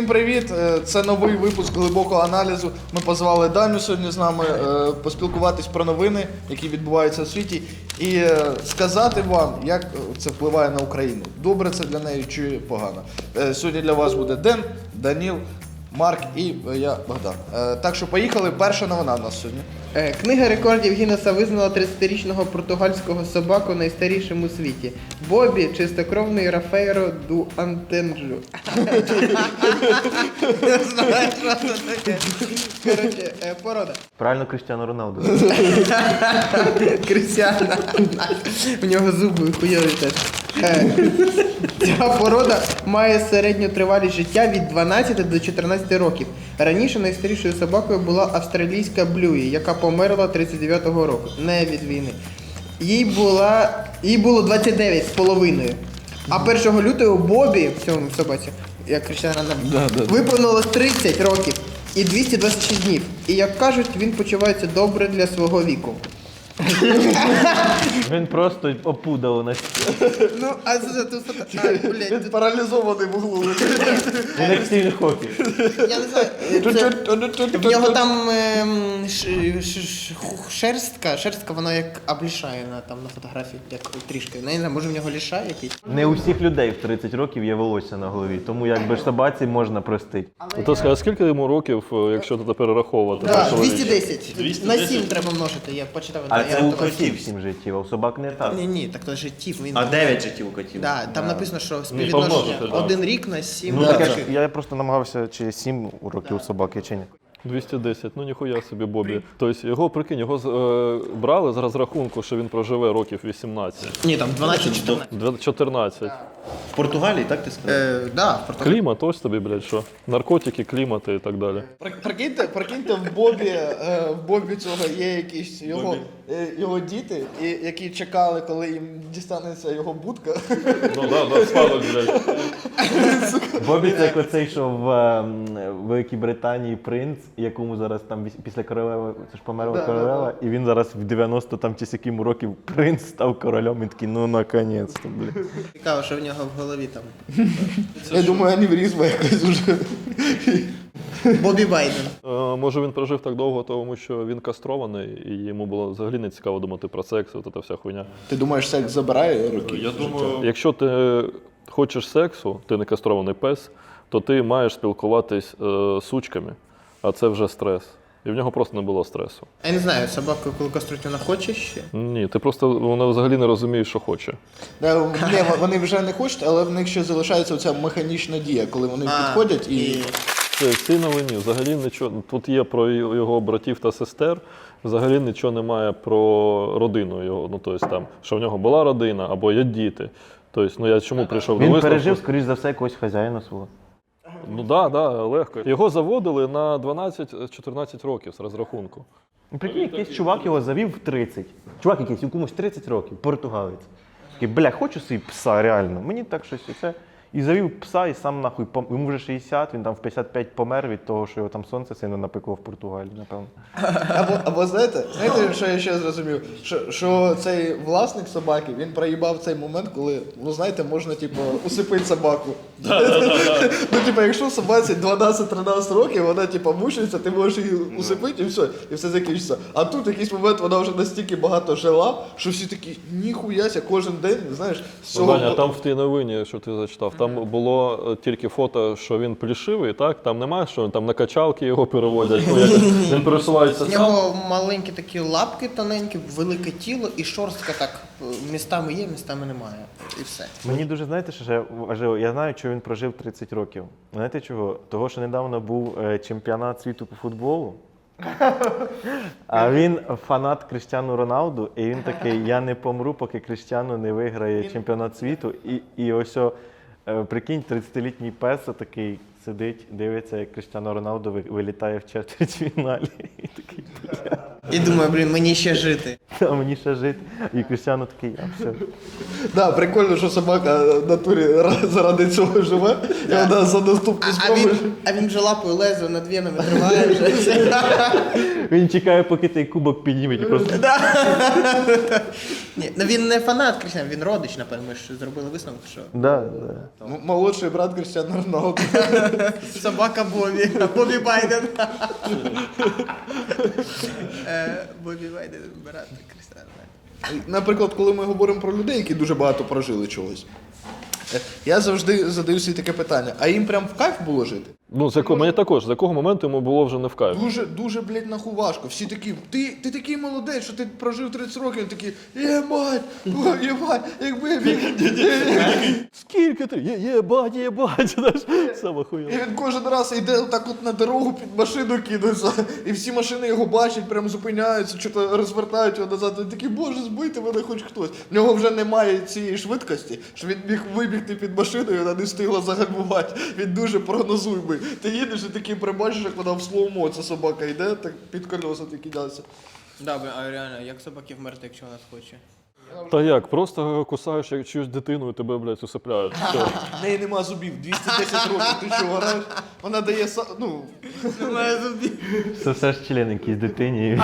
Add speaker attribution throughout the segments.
Speaker 1: привіт! Це новий випуск глибокого аналізу. Ми позвали Даню сьогодні з нами поспілкуватись про новини, які відбуваються у світі, і сказати вам, як це впливає на Україну. Добре це для неї чи погано. Сьогодні для вас буде Ден, Даніл, Марк і я, Богдан. Так що поїхали. Перша новина в нас сьогодні.
Speaker 2: Книга рекордів Гіннеса визнала 30-річного португальського собаку найстарішим у світі. Бобі – чистокровний Рафейро ду Антенджу. Не знаю, що це таке. Коротше, порода.
Speaker 3: Правильно, Кріштіану Роналду.
Speaker 2: Крістіана. У нього зуби хуйові теж. Ця порода має середню тривалість життя від 12 до 14 років. Раніше найстарішою собакою була австралійська Блюї, яка померла 39-го року, не від війни. Їй було 29 з половиною. А 1 лютого Бобі, в цьому собаці, як Крістіана, виповнилось 30 років і 226 днів. І, як кажуть, він почувається добре для свого віку.
Speaker 3: Він просто опудав на
Speaker 2: Ну, а це тут... блядь,
Speaker 1: Він паралізований в углу.
Speaker 3: Він як Стівен Хокінг.
Speaker 2: я не знаю, в нього там шерстка, вона як облішає на фотографії, як трішки. Не знаю, може в нього ліша якийсь?
Speaker 3: Не у всіх людей в 30 років є волосся на голові, тому якби ж собаці можна простити.
Speaker 4: То скажи, скільки йому років, якщо тут перераховувати?
Speaker 2: Так, 210. На 7 треба множити, я почитав.
Speaker 3: А це у котів 7 життів, а у собак не так.
Speaker 2: Ні, так то життів.
Speaker 5: А 9 життів у котів.
Speaker 2: Да, там написано, що співвідношення
Speaker 4: помножити, да.
Speaker 2: 1 рік на 7
Speaker 3: Ну так
Speaker 2: років.
Speaker 3: я просто намагався, чи 7 років у собаки, чи ні.
Speaker 4: 210, ну ніхуя собі Бобі. Тобто його, прикинь, його брали з розрахунку, що він проживе років 18.
Speaker 2: Ні, там 12-14.
Speaker 4: 14.
Speaker 5: В Португалії, так ти сказав?
Speaker 2: Да, в Португалії.
Speaker 4: Клімат, ось тобі, блядь, що? Наркотики, клімати і так далі.
Speaker 1: Прикиньте, в Бобі цього є якісь його діти, які чекали, коли їм дістанеться його будка.
Speaker 4: Ну да, спадок, блядь.
Speaker 3: Бобі це як оцей, що в Великій Британії принц, якому зараз там після королеви, це ж померла королева, і він зараз в 90 там чи скільки років принц став королем, і такий, ну наконець-то, блядь.
Speaker 2: Цікаво, що в нього в голові там.
Speaker 1: Я думаю, аневризма якась уже.
Speaker 2: Бобі Байден.
Speaker 4: Може він прожив так довго, тому що він кастрований, і йому було взагалі не цікаво думати про секс, от ця вся хуйня.
Speaker 1: Ти думаєш, секс забирає роки?
Speaker 4: Я думаю, якщо ти хочеш сексу, ти не кастрований пес, то ти маєш спілкуватись з сучками, а це вже стрес. І в нього просто не було стресу.
Speaker 2: Я не знаю, собака, коли каструють, вона хоче ще?
Speaker 4: Ні, ти просто вона взагалі не розуміє, що хоче.
Speaker 1: Ні, вони вже не хочуть, але в них ще залишається оця механічна дія, коли вони підходять і...
Speaker 4: В цій новині взагалі нічого, тут є про його братів та сестер, взагалі нічого немає про родину його, ну тобто там, що в нього була родина або є діти. Тобто, ну я чому прийшов до
Speaker 3: Він
Speaker 4: висновку?
Speaker 3: пережив, скоріш за все, якогось хазяїна свого.
Speaker 4: Ну так, легко. Його заводили на 12-14 років з розрахунку.
Speaker 3: Прикинь, якийсь чувак його завів в 30. Чувак якийсь, якомусь 30 років, португалець. Такий, бля, хочу собі пса, реально. Мені так щось оце. І завів пса, і сам нахуй, йому вже 60, він там в 55 помер від того, що його там сонце сильно напекло в Португалії, напевно.
Speaker 1: Або знаєте, що я ще зрозумів? Що цей власник собаки, він проїбав цей момент, коли, ну знаєте, можна, типу, усипити собаку. Ну, типу, якщо собаці 12-13 років, вона, типу, мучиться, ти можеш її усипити і все закінчиться. А тут в якийсь момент вона вже настільки багато жила, що всі такі, ніхуяся, кожен день, знаєш, з цього...
Speaker 4: Даня, там в тій новині, що ти зачитав, там було тільки фото, що він плішивий, так? Там немає, що там на качалки його переводять, ну, як він пересувається
Speaker 2: У
Speaker 4: сам.
Speaker 2: нього маленькі такі лапки тоненькі, велике тіло і шорстка так містами є, містами немає. І все.
Speaker 3: Мені дуже, знаєте, що важливо, я знаю, що він прожив 30 років. Знаєте чого? Того, що недавно був чемпіонат світу по футболу. А він фанат Кріштіану Роналду, і він такий, я не помру, поки Кріштіану не виграє чемпіонат світу. І ось, прикинь, 30-літній пес такий сидить, дивиться, як Кріштіану Роналду вилітає в четвертьфіналі. І такий,
Speaker 2: І думаю, блін, мені ще жити.
Speaker 3: а мені ще жити. І Кріштіану такий, а все.
Speaker 1: Да, прикольно, що собака в натурі заради цього живе, і вона за наступну спробу...
Speaker 2: А він вже лапою лезо над венами тримає вже.
Speaker 3: Він чекає, поки той кубок підніметь і просто...
Speaker 2: Ні, ну він не фанат Крістіана, він родич, напевно, ми ж зробили висновок, що
Speaker 3: Да.
Speaker 1: Молодший брат Крістіану Роналду.
Speaker 2: собака Бобі, Бобі Байден. Бобі Байден, брат Крістіана.
Speaker 1: Наприклад, коли ми говоримо про людей, які дуже багато прожили чогось, я завжди задаю собі таке питання, а їм прям в кайф було жити?
Speaker 4: Ну, мені також, з якого моменту йому було вже не в кайф.
Speaker 1: Дуже, блядь, нахуй важко. Всі такі, ти такий молодець, що ти прожив 30 років, такі, єбать, якби я міг.
Speaker 4: Скільки ти? Єбать, знаєш, саме хуйово.
Speaker 1: І він кожен раз йде так от на дорогу під машину кинуться, і всі машини його бачать, прям зупиняються, що-то розвертають його назад. Він такий, боже, збийте мене хоч хтось. В нього вже немає цієї швидкості, що він міг вибігти під машиною, вона не встигла загальмувати. Він дуже прогнозуємий. Ти їдеш і такий прибачиш, як вона в слоумо, ця собака йде, так під колеса ти кидається.
Speaker 2: Да, а реально, як собаки вмерти, якщо вона схоче?
Speaker 4: Та як, просто кусаєш як чиюсь дитину і тебе, блядь, усипляють. Все.
Speaker 1: В неї нема зубів, 210 років, ти що, граєш? Вона дає,
Speaker 2: Немає зубів.
Speaker 3: Це все ж член якийсь дитині.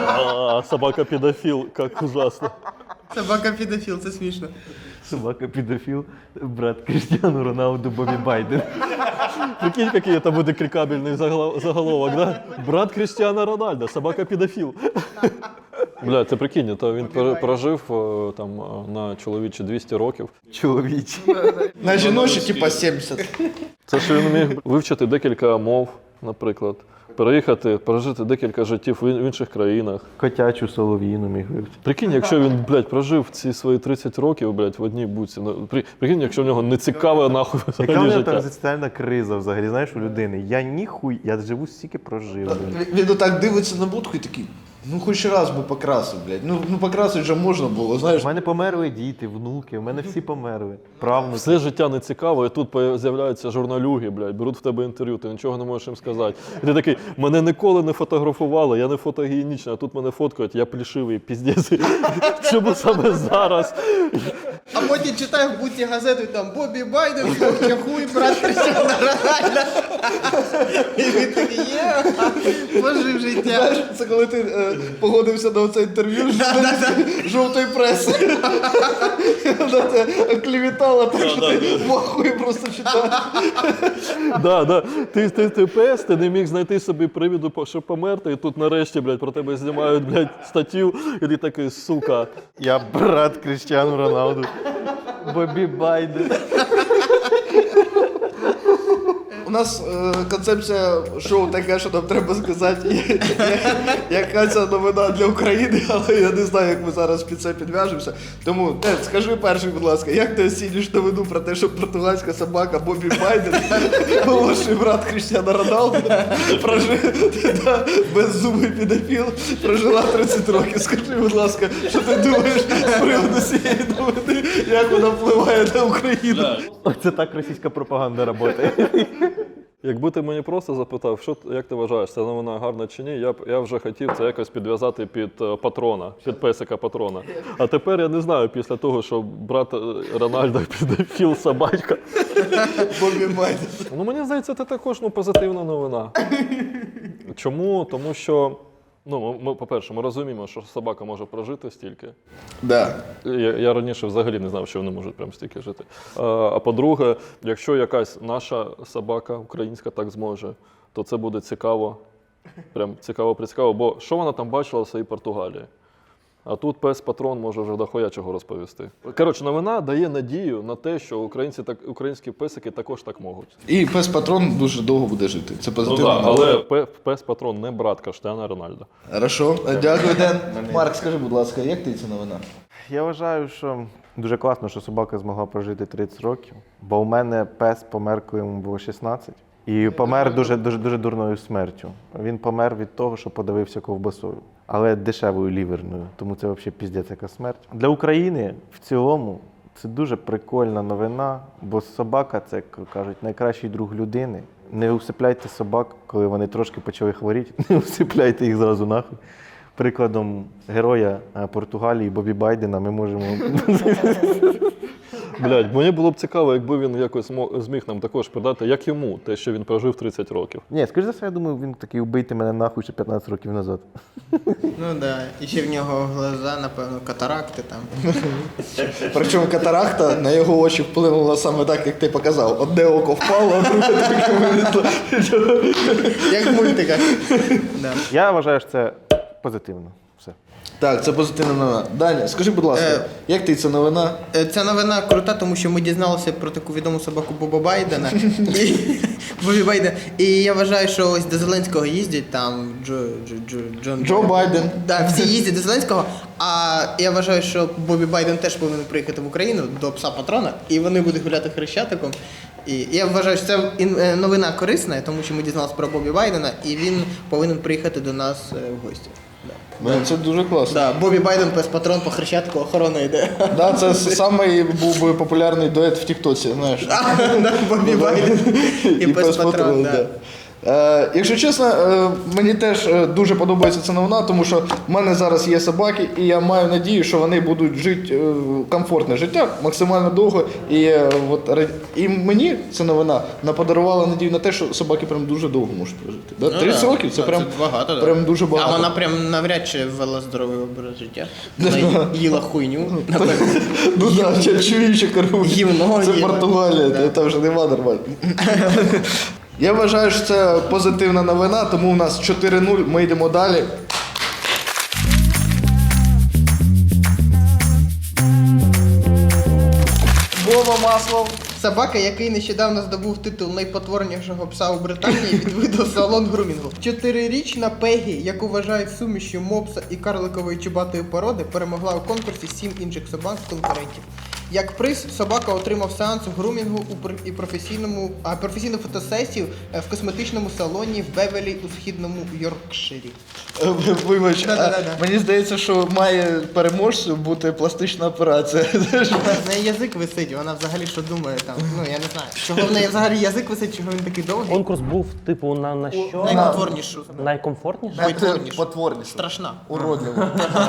Speaker 4: А собака-педофіл, як ужасно.
Speaker 2: Собака педофіл, це смішно.
Speaker 3: Собака педофіл, брат Крістіану Роналду, Бобі Байден.
Speaker 4: Прикинь, який это буде клікабельний заголовок, да? Брат Крістіана Рональда, собака-педофіл. Бля, ти прикинь, то він прожив там на чоловічі 200 років.
Speaker 3: Чоловічі.
Speaker 1: на жіночі, типа 70.
Speaker 4: Це що він міг вивчити декілька мов, наприклад. Переїхати, прожити декілька життів в інших країнах.
Speaker 3: Котячу солов'їну міг вивчити.
Speaker 4: Прикинь, якщо він, блядь, прожив ці свої 30 років, блядь, в одній буці. Ну, прикинь, якщо в нього не цікаве, нахуй,
Speaker 3: Яка в
Speaker 4: взагалі
Speaker 3: нього
Speaker 4: життя.
Speaker 3: там екзистенціальна криза взагалі, знаєш, у людини? Я живу стільки прожив.
Speaker 1: Він отак дивиться на будку і такий, ну хоч раз би покрасив, блядь. Ну покрасити вже можна було, знаєш.
Speaker 3: У мене померли діти, внуки, у мене всі померли. Правнуки.
Speaker 4: Все життя не цікаво, і тут з'являються журналюги, блядь, беруть в тебе інтерв'ю, ти нічого не можеш їм сказати. І ти такий, мене ніколи не фотографували, я не фотогенічний, а тут мене фоткають, я плішивий, піздець. Чому саме зараз?
Speaker 2: А потім читаю в буці газету, і там Бобі Байден, хуй, брат Крістіана Рональда. І він такий, пожив життя.
Speaker 1: Знаєш, це коли ти погодився на оце інтерв'ю з жовтої преси. Вона тебе клівітала так, що ти вахує просто читаєш.
Speaker 4: Да. Ти пес, ти не міг знайти собі привіду, щоб померти, і тут нарешті, блядь, про тебе знімають, блядь, статтю, і ти такий, сука.
Speaker 3: Я брат Крістіану Роналду, Бобі Байден.
Speaker 1: У нас концепція шоу така, що нам треба сказати, яка ця новина для України, але я не знаю, як ми зараз під це підв'яжемося. Тому, скажи перший, будь ласка, як ти оцінюєш новину про те, що португальська собака Бобі Байден, молодший брат Крістіана Роналду, беззубий педофіл, прожила 30 років. Скажи, будь ласка, що ти думаєш з приводу цієї новини, як вона впливає на Україну?
Speaker 3: Оце так російська пропаганда працює.
Speaker 4: Якби ти мені просто запитав, як ти вважаєш, ця новина гарна чи ні, я вже хотів це якось підв'язати під патрона, під песика патрона. А тепер я не знаю, після того, що брат Рональда педофіл собачка.
Speaker 1: Бобі Байден.
Speaker 4: Ну мені здається, це також позитивна новина. Чому? Тому що, ми, по-перше, ми розуміємо, що собака може прожити стільки.
Speaker 1: Да.
Speaker 4: Я раніше взагалі не знав, що вони можуть прям стільки жити. А по-друге, якщо якась наша собака українська так зможе, то це буде цікаво. Прям цікаво, бо що вона там бачила в своїй Португалії? А тут пес-патрон може вже дохуя чого розповісти. Коротше, новина дає надію на те, що українські песики також так можуть.
Speaker 1: І пес-патрон дуже довго буде жити. Це позитивно.
Speaker 4: Але пес-патрон не брат Крістіана Рональда.
Speaker 1: Хорошо. Дякую, Ден. Марк, скажи, будь ласка, як ти ця новина?
Speaker 3: Я вважаю, що дуже класно, що собака змогла прожити 30 років, бо у мене пес помер, коли йому було 16. І помер дуже дурною смертю. Він помер від того, що подавився ковбасою, але дешевою ліверною, тому це взагалі піздець яка смерть. Для України в цілому це дуже прикольна новина, бо собака – це, як кажуть, найкращий друг людини. Не усипляйте собак, коли вони трошки почали хворіти, не усипляйте їх зразу нахуй. прикладом героя Португалії Бобі Байдена ми можемо.
Speaker 4: Блядь, мені було б цікаво, якби він якось зміг нам також передати, як йому те, що він прожив 30 років.
Speaker 3: Ні, скоріш за все, я думаю, він такий убийте мене нахуй ще 15 років назад.
Speaker 2: Ну да. І ще в нього глаза, напевно, катаракти там.
Speaker 1: Причому катаракта на його очі вплинула саме так, як ти показав. Одне око впало, а друге таке вилізло.
Speaker 2: Як в мультиках. Да.
Speaker 3: Я вважаю, що це позитивно. Все.
Speaker 1: Так, це позитивна новина. Даня, скажи, будь ласка, як ти ця новина?
Speaker 2: Ця новина крута, тому що ми дізналися про таку відому собаку Боба Байдена. Бобі Байден. І я вважаю, що ось до Зеленського їздять там
Speaker 1: Джо Байден.
Speaker 2: Да, всі їздять до Зеленського. А я вважаю, що Бобі Байден теж повинен приїхати в Україну до пса патрона, і вони будуть гуляти хрещатиком. І я вважаю, що це новина корисна, тому що ми дізналися про Бобі Байдена, і він повинен приїхати до нас в гості.
Speaker 1: Це дуже класно.
Speaker 2: Да, Бобі Байден, пес патрон, по хрещатику охорона йде.
Speaker 1: Да, це самий був би популярний дует в Тіктоці, знаєш.
Speaker 2: Да, Бобі Байден і пес патрон, да.
Speaker 1: Якщо чесно, мені теж дуже подобається ця новина, тому що в мене зараз є собаки, і я маю надію, що вони будуть жити комфортне життя максимально довго. І мені ця новина подарувала надію на те, що собаки прям дуже довго можуть прожити. Да? 30 років це прям
Speaker 2: багато, да.
Speaker 1: прям дуже багато.
Speaker 2: А вона прям навряд чи вела здоровий образ життя. Вона їла хуйню, напевно.
Speaker 1: Ну так, чуючи кору.
Speaker 2: Гівно
Speaker 1: Це
Speaker 2: їла.
Speaker 1: Португалія,
Speaker 2: Да.
Speaker 1: там вже нема нормально. Я вважаю, що це позитивна новина, тому у нас 4-0, ми йдемо далі. Вова Маслов.
Speaker 2: Собака, який нещодавно здобув титул найпотворнішого пса у Британії, відвідав салон грумінгу. 4-річна Пегі, яку вважають сумішю мопса і карликової чубатої породи, перемогла у конкурсі 7 інших собак з конкурентів. Як приз, собака отримав сеанс грумінгу і професійну фотосесію в косметичному салоні в Бевелі у східному Йоркширі.
Speaker 1: Вибач,
Speaker 2: Да-да-да.
Speaker 1: мені здається, що має переможцю бути пластична операція.
Speaker 2: В неї язик висить, вона взагалі що думає там. Ну я не знаю. Чого в неї взагалі язик висить, чого він такий довгий?
Speaker 6: Конкурс був типу на що?
Speaker 2: Найпотворнішу.
Speaker 6: Найкомфортніше?
Speaker 1: Потворніше.
Speaker 2: Страшна.
Speaker 1: Уродливо.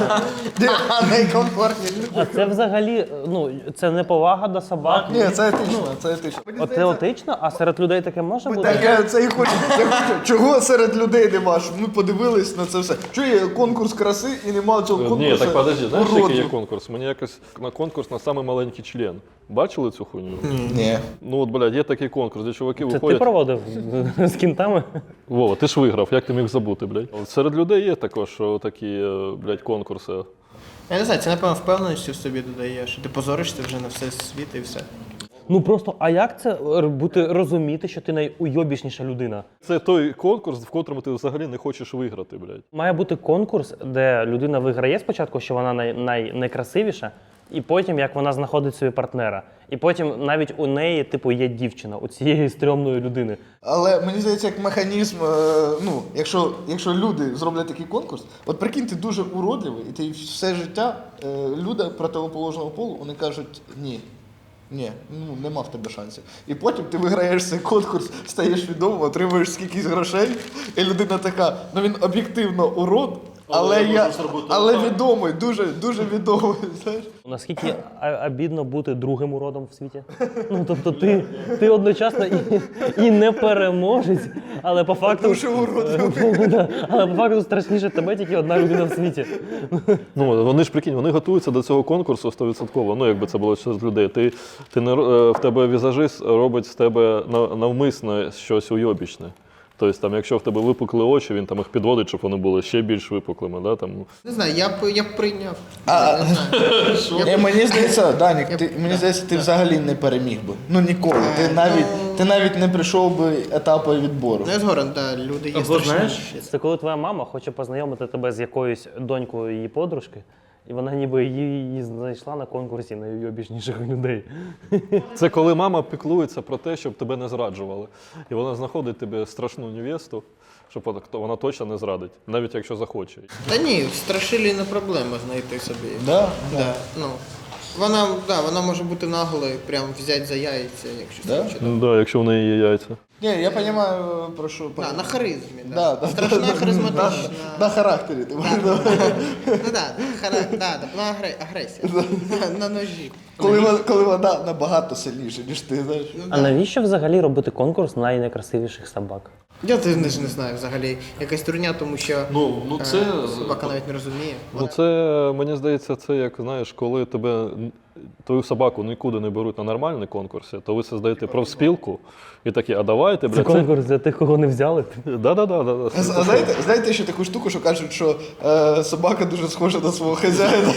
Speaker 2: Найкомфортніше.
Speaker 6: А це взагалі, ну, це не повага до собак.
Speaker 1: Ні, це етично, це етично.
Speaker 6: От це етично, а серед людей таке може бути?
Speaker 1: Так я це і хочу. Чого серед людей нема? Щоб ми подивились на це все. Чого є конкурс краси і нема цього конкурсу?
Speaker 4: Ні, так подожди, знаєш, який є
Speaker 1: уродів?
Speaker 4: конкурс? Мені якось на конкурс на самий маленький член. Бачили цю хуйню?
Speaker 1: Ні.
Speaker 4: Ну от, блядь, є такий конкурс, де чуваки
Speaker 6: Це ти
Speaker 4: виходять.
Speaker 6: проводив з кінтами?
Speaker 4: Вова, ти ж виграв, як ти міг забути, блядь? От серед людей є також такі, блядь, конкурси.
Speaker 2: Я не знаю, це напевно впевненості в собі додає, що ти позоришся вже на все світ і все.
Speaker 6: Ну просто, а як це бути розуміти, що ти найуйобішніша людина?
Speaker 4: Це той конкурс, в котрому ти взагалі не хочеш виграти, блядь.
Speaker 6: Має бути конкурс, де людина виграє спочатку, що вона найкрасивіша, і потім як вона знаходить собі партнера. І потім навіть у неї, типу, є дівчина, у цієї стрьомної людини.
Speaker 1: Але мені здається, як механізм, ну, якщо люди зроблять такий конкурс, от прикинь, ти дуже уродливий, і ти все життя люди противоположного полу, вони кажуть ні. Ні, ну нема в тебе шансів. І потім ти виграєш цей конкурс, стаєш відомим, отримуєш скількись грошей, і людина така, ну він об'єктивно урод, але відомий, дуже, дуже відомий, знаєш.
Speaker 6: Наскільки обідно бути другим уродом в світі? Ну, тобто ти одночасно і не переможець, але по факту...
Speaker 1: Дуже уродливий.
Speaker 6: Да, але по факту страшніше тебе тільки одна людина в світі.
Speaker 4: Ну, вони ж, прикинь, вони готуються до цього конкурсу 100%. Ну, якби це було серед людей. В тебе візажист робить з тебе навмисно щось уйобічне. Тобто, там, якщо в тебе випукли очі, він там їх підводить, щоб вони були ще більш випуклими. Да? Там...
Speaker 2: Не знаю, я б прийняв.
Speaker 1: Мені здається, Данік, мені здається, ти взагалі не переміг би. Ну ніколи. Ти навіть не прийшов би етапу відбору.
Speaker 2: Ну я згоден, так, люди є
Speaker 6: Або знаєш,
Speaker 2: страшніші.
Speaker 6: це коли твоя мама хоче познайомити тебе з якоюсь донькою її подружки, і вона ніби її знайшла на конкурсі найуйобішніших людей.
Speaker 4: Це коли мама піклується про те, щоб тебе не зраджували. І вона знаходить тобі страшну невесту, щоб вона точно не зрадить, навіть якщо захоче.
Speaker 2: Та ні, в Страшилі не проблема знайти собі.
Speaker 1: Да?
Speaker 2: Да, ну. Вона може бути наглою, прям взяти за яйця, якщо
Speaker 1: Да?
Speaker 2: хоче.
Speaker 4: Ну, да, якщо в неї є яйця.
Speaker 1: Ні, я розумію, про що.
Speaker 2: На харизмі,
Speaker 1: Да, да.
Speaker 2: Страшна харизматична.
Speaker 1: На характері. Ти маєш на увазі.
Speaker 2: Ну агресія. На ножі.
Speaker 1: Коли вона набагато сильніша, ніж ти, знаєш.
Speaker 6: А навіщо взагалі робити конкурс найнайкрасивіших собак?
Speaker 2: Я теж не знаю взагалі. Якась турня, тому що собака навіть не розуміє.
Speaker 4: Ну це, мені здається, це як, знаєш, коли твою собаку нікуди не беруть на нормальні конкурси, то ви создаєте профспілку і такі, а давайте,
Speaker 6: Це
Speaker 4: блядь,
Speaker 6: конкурс для тих, кого не взяли.
Speaker 4: Да-да-да.
Speaker 1: А знаєте ще таку штуку, що кажуть, що собака дуже схожа на свого хазяїна?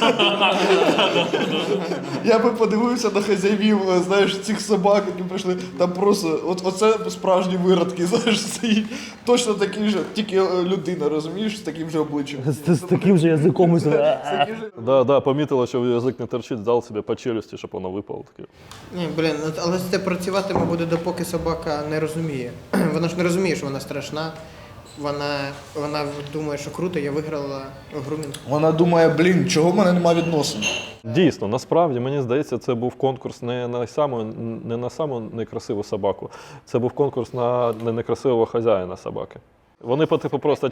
Speaker 1: Я би подивився на хазяїв, знаєш, цих собак, які прийшли, там просто, оце справжні виродки, знаєш, стоїть. Точно такий же, тільки людина, розумієш, з таким же обличчям.
Speaker 6: З таким же язиком.
Speaker 4: Да, помітила, що язик не торчить, дав собі по челюсті, щоб воно випало. Таке.
Speaker 2: Ні, але це працюватиме буде, допоки собака не розуміє. Вона ж не розуміє, що вона страшна. Вона думає, що круто, я виграла грумінг.
Speaker 1: Вона думає, блін, чого в мене немає відносин?
Speaker 4: Дійсно, насправді, мені здається, це був конкурс не на саму некрасиву собаку, це був конкурс на некрасивого хазяїна собаки. Вони типу просто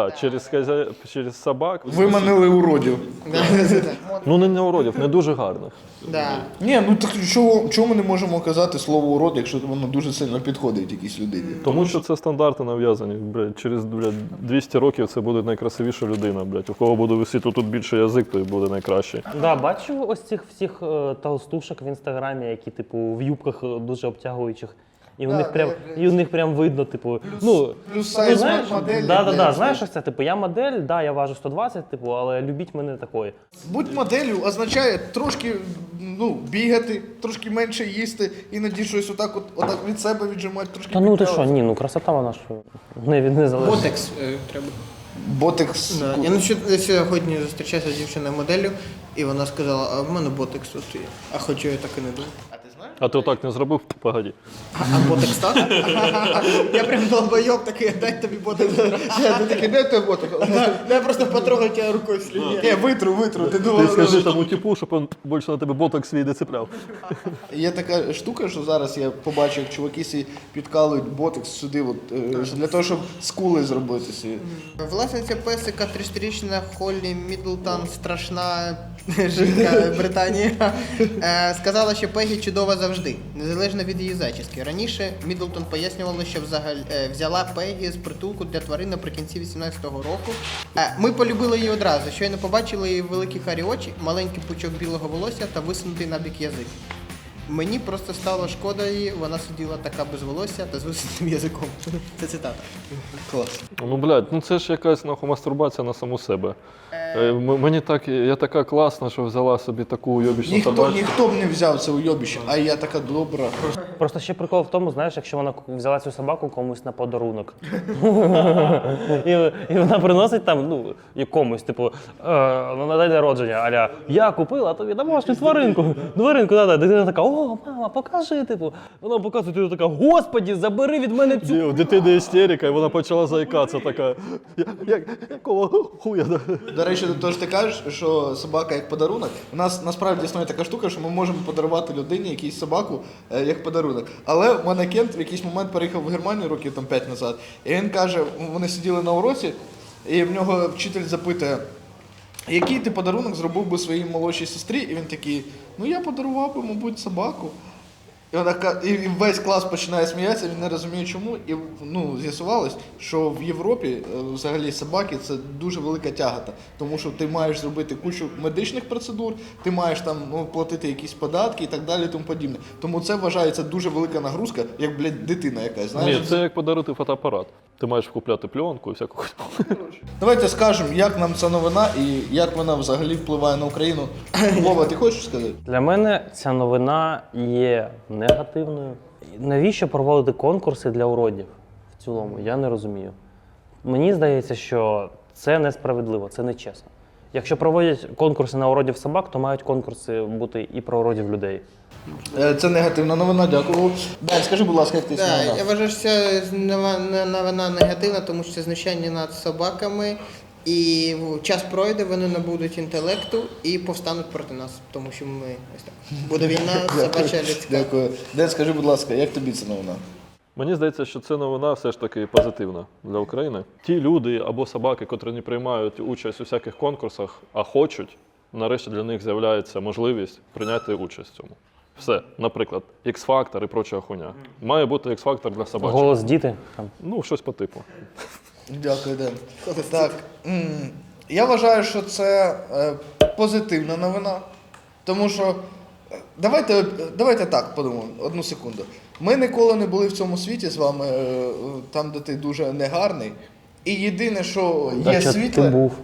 Speaker 4: через собак.
Speaker 1: Виманили уродів.
Speaker 4: Ну не уродів, не дуже гарних.
Speaker 1: Ні, ну так чого ми не можемо казати слово урод, якщо воно дуже сильно підходить якійсь людині?
Speaker 4: Тому що це стандарти нав'язані. Через 200 років це буде найкрасивіша людина. У кого буде висіти тут більше язик, той буде найкращий.
Speaker 6: Да, бачу ось цих всіх толстушок в інстаграмі, які типу в юбках дуже обтягуючих. І у них прям видно, типу,
Speaker 1: Плюс сайз
Speaker 6: знаєш,
Speaker 1: моделі.
Speaker 6: знаєш, ось це, типу, я модель, я важу 120, типу, але любіть мене такою.
Speaker 1: Будь моделлю означає трошки бігати, трошки менше їсти, іноді щось отак від себе віджимати, трошки
Speaker 6: Та ну ти
Speaker 1: підтягувати.
Speaker 6: що, ні, красота вона що не залежить.
Speaker 2: Ботекс треба.
Speaker 1: Ботекс.
Speaker 2: Я сьогодні зустрічався з дівчиною моделлю, і вона сказала, а в мене ботекс от є. А хоча я так і не думав.
Speaker 4: А ти отак не зробив? Погоді.
Speaker 2: А ботекс так? Я прям долбойоб такий, дай тобі ботекс.
Speaker 1: Ти такий, де той ботекс?
Speaker 2: Я просто потрогаю тебе рукою слідні.
Speaker 1: Ні, витру, ти
Speaker 4: Ти
Speaker 1: думав.
Speaker 4: скажи тому типу, щоб він більше на тебе боток свій не цепляв.
Speaker 1: Є така штука, що зараз я побачив, як чуваки сі підкалують ботекс сюди, для того, щоб скули зробити собі.
Speaker 2: Власниця песика 30-річна Холлі Міддлтон, страшна жінка Британії, сказала, що Пегі чудова завжди, незалежно від її зачіски. Раніше Міддлтон пояснювала, що взяла Пегі з притулку для тварин наприкінці 18-го року. Ми полюбили її одразу, щойно побачили її великі карі очі, маленький пучок білого волосся та висунутий набік язик. Мені просто стало шкода її, вона сиділа така без волосся та з висунутим язиком. Це цитата.
Speaker 1: Клас.
Speaker 4: Це ж якась мастурбація на саму себе. Я така класна, що взяла собі таку уйобічну собачку.
Speaker 1: Ніхто б не взяв це уйобище, а я така добра.
Speaker 6: Просто ще прикол в тому, знаєш, якщо вона взяла цю собаку комусь на подарунок. І вона приносить там, якомусь, типу, на день народження, аля, я купила тобі домашню тваринку. Дитина така, о, мама, покажи, типу. Вона показує, ти така, господі, забери від мене цю.
Speaker 4: У дитини істерика, і вона почала заїкатися така. Якого хуя?
Speaker 1: До речі, то ж ти кажеш, що собака як подарунок. У нас насправді існує така штука, що ми можемо подарувати людині якусь собаку як подарунок. Але в мене Кент в якийсь момент переїхав в Германію років 5 назад, і він каже, вони сиділи на уроці, і в нього вчитель запитує, який ти подарунок зробив би своїй молодшій сестрі? І він такий, я подарував би, мабуть, собаку. І весь клас починає сміятися, він не розуміє чому. І з'ясувалось, що в Європі взагалі собаки це дуже велика тягата. Тому що ти маєш зробити кучу медичних процедур, ти маєш там платити якісь податки і так далі, тому подібне. Тому це вважається дуже велика нагрузка, як, дитина якась. Знаєш?
Speaker 4: Ні, це як подарити фотоапарат. Ти маєш купляти пленку і всяку.
Speaker 1: Давайте скажемо, як нам ця новина і як вона взагалі впливає на Україну. Вова, ти хочеш сказати?
Speaker 6: Для мене ця новина є негативною. Навіщо проводити конкурси для уродів в цілому? Я не розумію. Мені здається, що це несправедливо, це нечесно. Якщо проводять конкурси на уродів собак, то мають конкурси бути і про уродів людей.
Speaker 1: Це негативна новина, дякую. Дань, скажи, будь ласка, як ти це новина?
Speaker 2: Я вважаю, що це новина негативна, тому що це знущання над собаками. І час пройде, вони набудуть інтелекту і повстануть проти нас, тому що ми ось так. Буде війна, собача людська.
Speaker 1: Дякую. Ден, скажи, будь ласка, як тобі ця новина?
Speaker 4: Мені здається, що це новина все ж таки позитивна для України. Ті люди або собаки, котрі не приймають участь у всяких конкурсах, а хочуть, нарешті для них з'являється можливість прийняти участь в цьому. Все, наприклад, X-фактор і проча хуйня. Має бути X-фактор для собачок.
Speaker 6: Голос діти. Там.
Speaker 4: Ну, щось по типу.
Speaker 1: Дякую, Ден. Так, я вважаю, що це позитивна новина, тому що давайте так подумаємо, одну секунду. Ми ніколи не були в цьому світі з вами, там, де ти дуже негарний, і єдине, що є
Speaker 6: А що
Speaker 1: світле...
Speaker 6: ти був?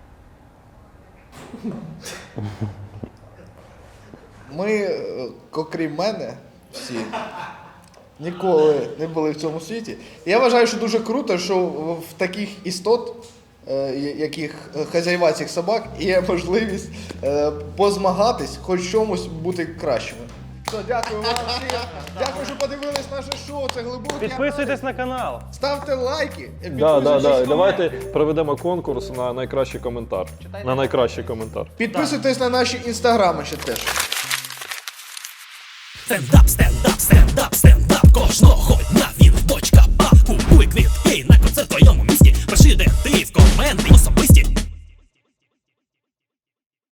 Speaker 1: Ми, окрім мене, всі ніколи не були в цьому світі. Я вважаю, що дуже круто, що в таких істот, яких хазяїва цих собак, є можливість позмагатись, хоч в чомусь бути кращими. Все, дякую вам всім. Дякую, що подивились наше шоу. Це глибокий
Speaker 6: Підписуйтесь на канал.
Speaker 1: аналіз. Ставте лайки.
Speaker 4: Давайте проведемо конкурс на найкращий коментар. На найкращий коментар.
Speaker 1: Підписуйтесь на наші інстаграми ще теж.
Speaker 7: Стендап, стендап, стендап, стендап, кожного дня він в бочка, купуй квітки